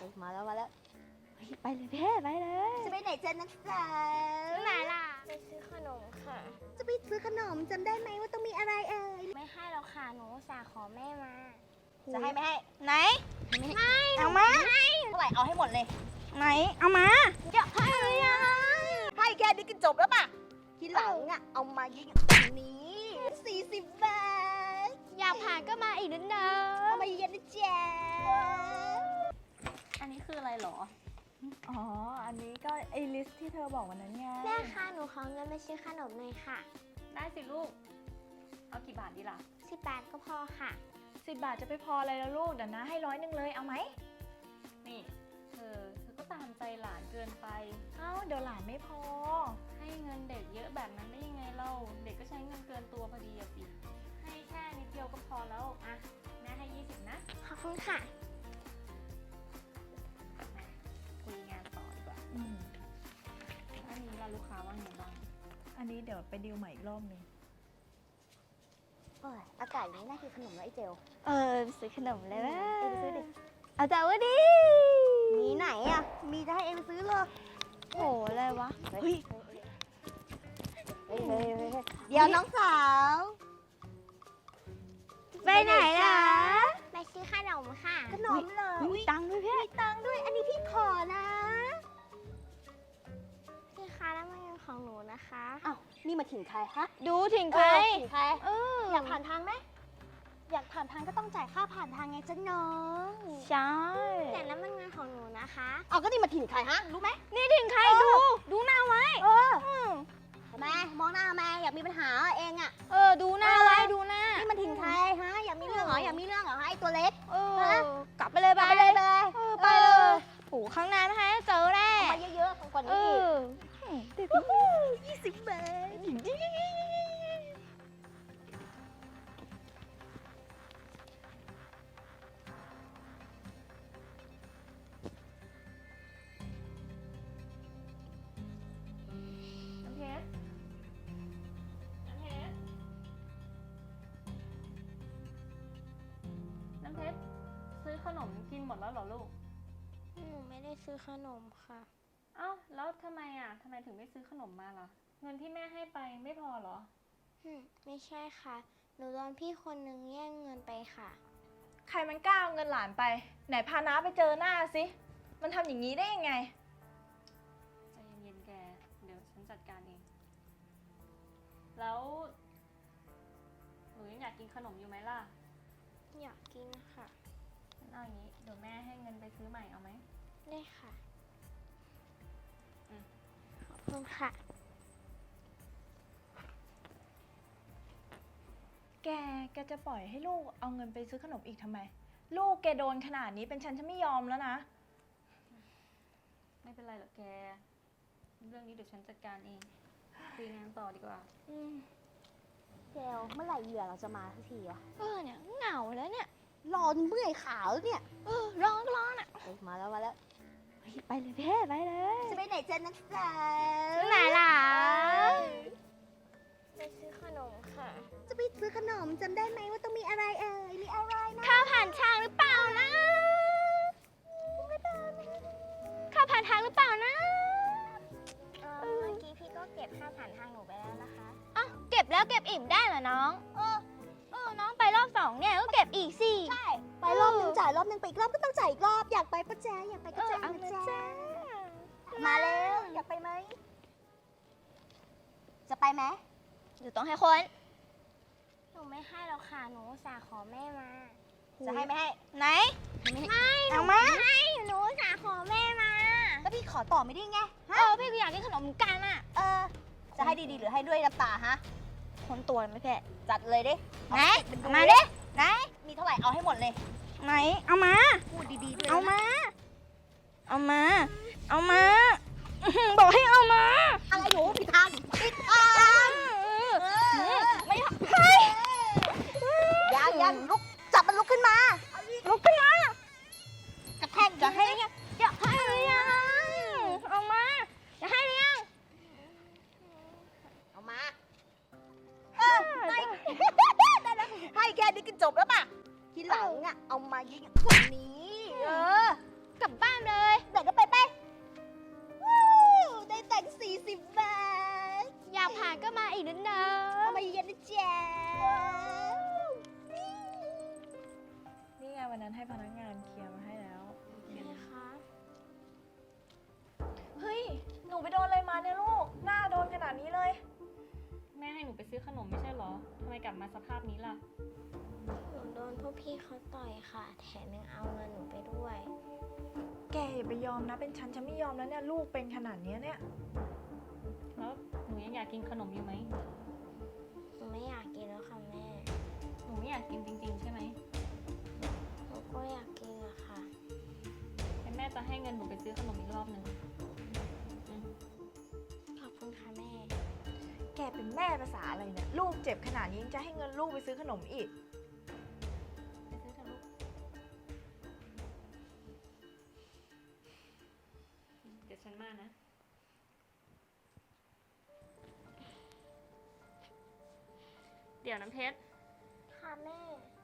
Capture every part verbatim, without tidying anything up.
มาแล้วมาแล้วไปเลยเพ่ไปเลยจะไปไหนจ๊ะนักศึกษาไหนล่ะไปซื้อขนมค่ะจะไปซื้อขนมจำได้ไหมว่าต้องมีอะไรเอ่ยไม่ให้เราค่ะหนูสาขอแม่มาจะให้ไม่ให้ไหนไม่เอามาเท่าไหร่เอาให้หมดเลยไหนเอามาเดี๋ยวให้ให้แค่นี้กินจบแล้วป่ะทีหลังอ่ะเอามาเยอะๆแบบนี้สี่สิบบาทอยากผ่านก็มาอีกนิดนึงเอามาเย็นนะจ๊ะอันนี้คืออะไรหรออ๋ออันนี้ก็ไอลิสที่เธอบอกวันนั้นไงแม่ค่ะหนูขอเงินไปซื้อขนมหน่อยค่ะได้สิลูกเอากี่บาทดีล่ะสิบบาทก็พอค่ะสิบบาทจะไปพออะไรแล้วลูกเดี๋ยวนะให้ร้อยหนึ่งเลยเอาไหมนี่เธอเธอก็ตามใจหลานเกินไปเอ้าเดี๋ยวหลานไม่พอให้เงินเด็กเยอะแบบนั้นได้ยังไงเล่าเด็กก็ใช้เงินเกินตัวพอดีอะสิให้แค่นิดเดียวก็พอแล้วอะแม่ให้ยี่สิบนะขอบคุณค่ะคุยงานต่อดีกว่าอืมอันนี้เราลูกค้าว่าไงบ้างอันนี้เดี๋ยวไปดิวใหม่อีกรอบนึงโอ้ยอากาศอย่างนี้น่ากินขนมแล้วไอ้เจลเออซื้อขนมเลยว่าเอ็งไปซื้อดิเอาแต่ว่าดิมีไหนอ่ะมีจะให้เอ็งไปซื้อเลยโหอะไรวะเฮ้ยเดี๋ยวน้องสาวไปไหนล่ะไปซื้อขนมค่ะขนมเหรอมีตังค์ด้วยพี่มีตังค์ด้วยอันนี้พี่ขอนะพี่คะแล้วมันเป็นของหนูนะคะอ้าวนี่มาถึงใครฮะดูถึงใครถึงใครเอออยากผ่านทางไหมอยากผ่านทางก็ต้องจ่ายค่าผ่านทางไงจ๊ะน้องใช่แต่แล้วมันเงินของหนูนะคะเอาก็นี่มาถึงใครฮะรู้ไหมนี่ถึงใครดูดูหน้าไว้เออทำไมมองหน้าทำไมอยากมีปัญหาเองอ่ะเออดูหน้าไว้ดูหน้านี่มันถึงใครฮะอยากมีเรื่องเหรออยากมีเรื่องเหรอไอ้ตัวเล็กเออกลับไปเลยไปเลยไปเลยไปเลยโอ้ข้างหน้าไม่ให้เจอแน่มาเยอะๆกว่านี้อีกยี่สิบบาทน้ำเพชรซื้อขนมกินหมดแล้วเหรอลูกหนูไม่ได้ซื้อขนมค่ะเอ้าแล้วทำไมอ่ะทำไมถึงไม่ซื้อขนมมาล่ะเงินที่แม่ให้ไปไม่พอเหรอไม่ใช่ค่ะหนูโดนพี่คนนึงแย่งเงินไปค่ะใครมันกล้าเอาเงินหลานไปไหนพาน้าไปเจอหน้าสิมันทำอย่างนี้ได้ยังไงใจเย็นๆแกเดี๋ยวฉันจัดการเองแล้วหนูยังอยากกินขนมอยู่ไหมล่ะอยากกินค่ะเอาอย่างนี้เดี๋ยวแม่ให้เงินไปซื้อใหม่เอาไหมได้ค่ะขอบคุณค่ะแกแกจะปล่อยให้ลูกเอาเงินไปซื้อขนมอีกทำไมลูกแกโดนขนาดนี้เป็นฉันฉันไม่ยอมแล้วนะไม่เป็นไรหรอกแกเรื่องนี้เดี๋ยวฉันจัดการเองคุยงานต่อดีกว่าอืมเจลเมื่อไหร่เหยื่อเราจะมาสักทีวะเออเนี่ยเหงาแล้วเนี่ยรอเมื่อยขาแล้วเนี่ยเออร้องร้องอ่ะมาแล้วมาแล้วไปเลยเพ่ไปเลยจะไปไหนจ๊ะนักศึกษาไหนล่ะไปซื้อขนมค่ะจะไปซื้อขนมจำได้ไหมว่าต้องมีอะไรเอ่ยมีอะไรนะข้าวผ่านทางหรือเปล่านะข้าวผ่านทางหรือเปล่านะเมื่อกี้พี่ก็เก็บข้าวผ่านทางหนูไปแล้วนะคะอ้าวเก็บแล้วเก็บอีกได้เหรอน้องเออเออน้องไปรอบสองเนี่ยก็เก็บอีกสิใช่ไปรอบนึงจ่ายรอบนึงไปอีกรอบก็ต้องจ่ายอีกรอบอยากไปปะแจ๊อยากไปก็จ่ายนะจ๊ะมาแล้วอยากไปไหมจะไปไหมหรือต้องให้คนหนูไม่ให้หรอกค่ะหนูสาขอแม่มาจะให้ไม่ให้ไหนไม่เอามาให้หนูสาขอแม่มาแล้วพี่ขอต่อไม่ได้ไงเออพี่ก็อยากกินขนมกันอ่ะเออจะให้ดีๆหรือให้ด้วยน้ำตาฮะคนตัวไหมแพ่จัดเลยดิไหนมาดิไหนมีเท่าไหร่เอาให้หมดเลยไหนเอามาพูดดีๆด้วยเอามาเอามาเอามาบอกให้เอามาอะไรหนูผิดทางผิดทางไม่ให้ยังยังลุกจับมันลุกขึ้นมาลุกขึ้นมากระแทกจะให้ยังจะให้หรือยังเอามาจะให้หรือยังเอามาเออให้ให้แค่นี้กินจบแล้วป่ะทีหลังอ่ะเอามาเยอะๆกว่านี้เออกลับบ้านไปโดนอะไรมาเนี่ยลูก หน้าโดนขนาดนี้เลยแม่ให้หนูไปซื้อขนมไม่ใช่เหรอทำไมกลับมาสภาพนี้ล่ะหนูโดนพวกพี่เขาต่อยค่ะ แถมยังเอาเงินหนูไปด้วยแกอย่าไปยอมนะ เป็นฉันฉันไม่ยอมแล้วเนี่ย ลูกเป็นขนาดเนี้ยเนี่ยแล้วหนูยังอยากกินขนมอยู่ไหมหนูไม่อยากกินแล้วค่ะแม่หนูไม่อยากกินจริงๆใช่ไหมหนูก็อยากกินอะค่ะงั้นแม่จะให้เงินหนูไปซื้อขนมอีกรอบหนึ่งอืมขอบคุณค่ะแม่แกเป็นแม่ภาษาอะไรเนี่ย ลูกเจ็บขนาดนี้ยังจะให้เงินลูกไปซื้อขนมอีกไปซื้อเถอะลูกเดี๋ยวฉันมานะ เดี๋ยวน้ำเพชรค่ะแม่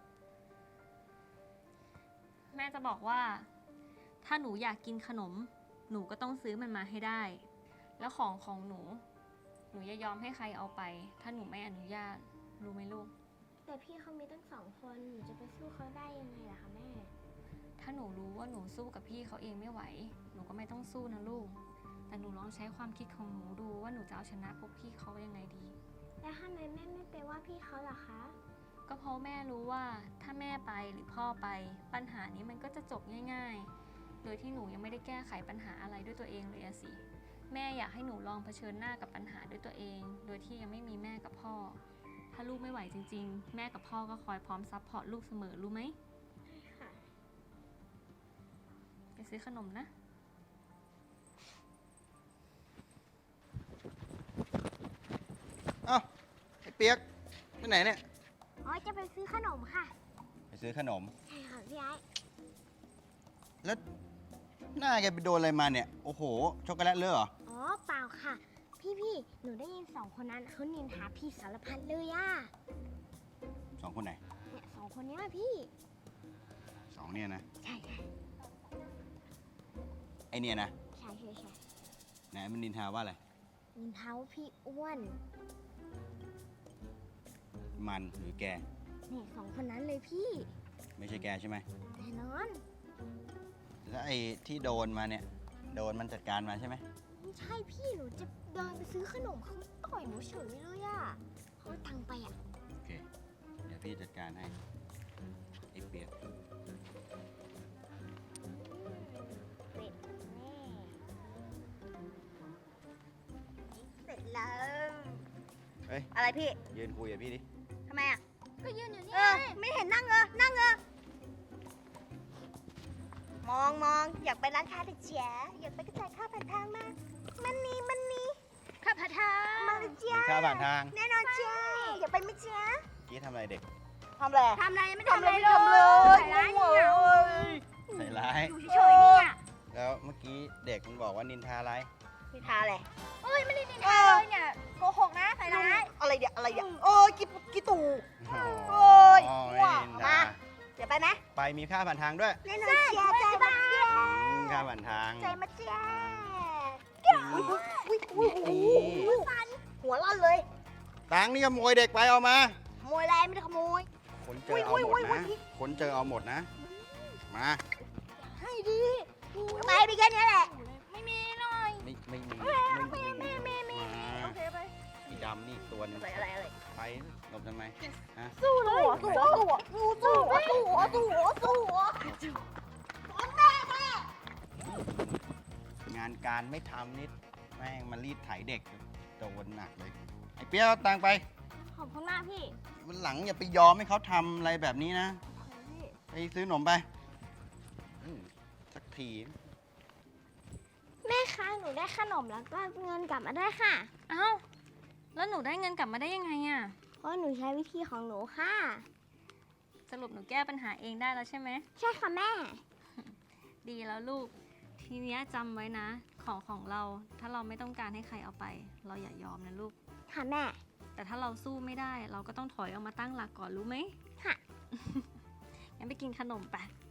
แม่จะบอกว่า ถ้าหนูอยากกินขนม หนูก็ต้องซื้อมันมาให้ได้ แล้วของของหนู หนูอย่ายอมให้ใครเอาไป ถ้าหนูไม่อนุญาต รู้ไหมลูกแต่พี่เขามีตั้งสองคน หนูจะไปสู้เขาได้ยังไงล่ะคะแม่ถ้าหนูรู้ว่าหนูสู้กับพี่เขาเองไม่ไหว หนูก็ไม่ต้องสู้นะลูก แต่หนูลองใช้ความคิดของหนูดูว่าหนูจะเอาชนะพวกพี่เขายังไงดีแล้วทำไมแม่ไม่ไปว่าพี่เขาล่ะคะก็เพราะแม่รู้ว่าถ้าแม่ไปหรือพ่อไป ปัญหานี้มันก็จะจบง่ายๆ โดยที่หนูยังไม่ได้แก้ไขปัญหาอะไรด้วยตัวเองเลยอะสิ แม่อยากให้หนูลองเผชิญหน้ากับปัญหาด้วยตัวเอง โดยที่ยังไม่มีแม่กับพ่อ ถ้าลูกไม่ไหวจริงๆ แม่กับพ่อก็คอยพร้อมซัพพอร์ตลูกเสมอรู้ไหมค่ะไปซื้อขนมนะเอ้าไอ้เปียกไปไหนเนี่ยอ๋อ จะไปซื้อขนมค่ะไปซื้อขนมใช่ค่ะพี่ไอ้แล้วหน้าแกไปโดนอะไรมาเนี่ย โอ้โห ช็อกโกแลตเลอะเหรออ๋อ เปล่าค่ะ พี่พี่ๆหนูได้ยินสองคนนั้นเขานินทาพี่สารพัดเลยอะสองคนไหนเนี่ยสองคนเนี้ยพี่สองเนี่ยนะใช่ใช่ไอเนี่ยนะใช่ใช่ใช่ไหนมันนินทาว่าอะไรนินทาว่าพี่อ้วนมันหรือแกเนี่ยสองคนนั้นเลยพี่ไม่ใช่แกใช่ไหมแน่นอนแล้วไอ้ที่โดนมาเนี่ย โดนมันจัดการมาใช่ไหมไม่ใช่พี่หนูจะเดินไปซื้อขนมเขาต่อยหนูเฉยเลยอะเขาเอาตังค์ไปอะโอเค เดี๋ยวพี่จัดการให้ ไอ้เปียกเด็ดแน่เสร็จแล้วเฮ้ยอะไรพี่ยืนคุยกับพี่ดิทำไมอ่ะก็ยืนอยู่นี่เออ ไม่เห็นนั่งเออนั่งเออมองมองอยากไปร้านค้าเด็กเจียอยากไปกระจายข้าวผ่านทางมา มันนี่มันนี่ข้าพเจ้ามาเลยเจียมีค่าผ่านทางแน่นอนเจียอยากไปไหมเจียกี้ทำอะไรเด็กทำอะไรทำอะไรไม่ทำทำอะอะไร ไรไม่เลยทำเลยใส่ร้ายเนี่ยใส่ร้ายอยู่เฉยๆเนี่ยแล้วเมื่อกี้เด็กมันบอกว่านินทาอะไรนิทาอะไรเอ้ยไม่ได้นินทาเลยเนี่ยโกหกนะใส่ร้ายอะไรเดี๋ยวอะไรเดี๋ยวโอ้ยกี่กี่ตู่ โอ้ยอ๋อว้าไม่นินทามา เดี๋ยวไปไหมไปมีค่าผ่านทางด้วยแน่นอนเจียใจมาเจียอืมค่าผ่านทางใจมาเจียอุ้ยอุ้ยอุ้ยอุ้ยนี่อุ้ยสันหัวร้อนเลยตังค์นี่ขโมยเด็กไปเอามาขโมยอะไรไม่ได้ขโมยคนเจอเอาหมดอุ้ยอุ้ยอุ้นะยคนเจอเอาหมดนะ มาให้ดีไปไปแค่นี้แหละไม่มีหน่อยไม่ไม่มีไม่มีไม่มีมาโอเคไปอีดำนี่อีกตัวหนึงอะไรอะไรอะไรไปหลบทำไมฮะสู้เลยสู้สู้สู้สู้สู้สู้สู้สู้งานการไม่ทำนิดแม่งมารีดไถเด็กโดนหนักเลย ไอ้เปี้ยเอาตังค์ไปขอบคุณมากพี่วันหลังอย่าไปยอมให้เขาทำอะไรแบบนี้นะ ไปซื้อขนมไปอืมสักทีแม่คะหนูได้ขนมแล้วก็เงินกลับมาด้วยค่ะเอ้า แล้วหนูได้เงินกลับมาได้ยังไงอะเพราะหนูใช้วิธีของหนูค่ะสรุปหนูแก้ปัญหาเองได้แล้วใช่ไหมใช่ค่ะแม่ดีแล้วลูก ทีเนี้ยจำไว้นะ ของของเรา ถ้าเราไม่ต้องการให้ใครเอาไป เราอย่ายอมนะลูกค่ะแม่แต่ถ้าเราสู้ไม่ได้ เราก็ต้องถอยออกมาตั้งหลักก่อนรู้ไหมค่ะงั้นไปกินขนมไปค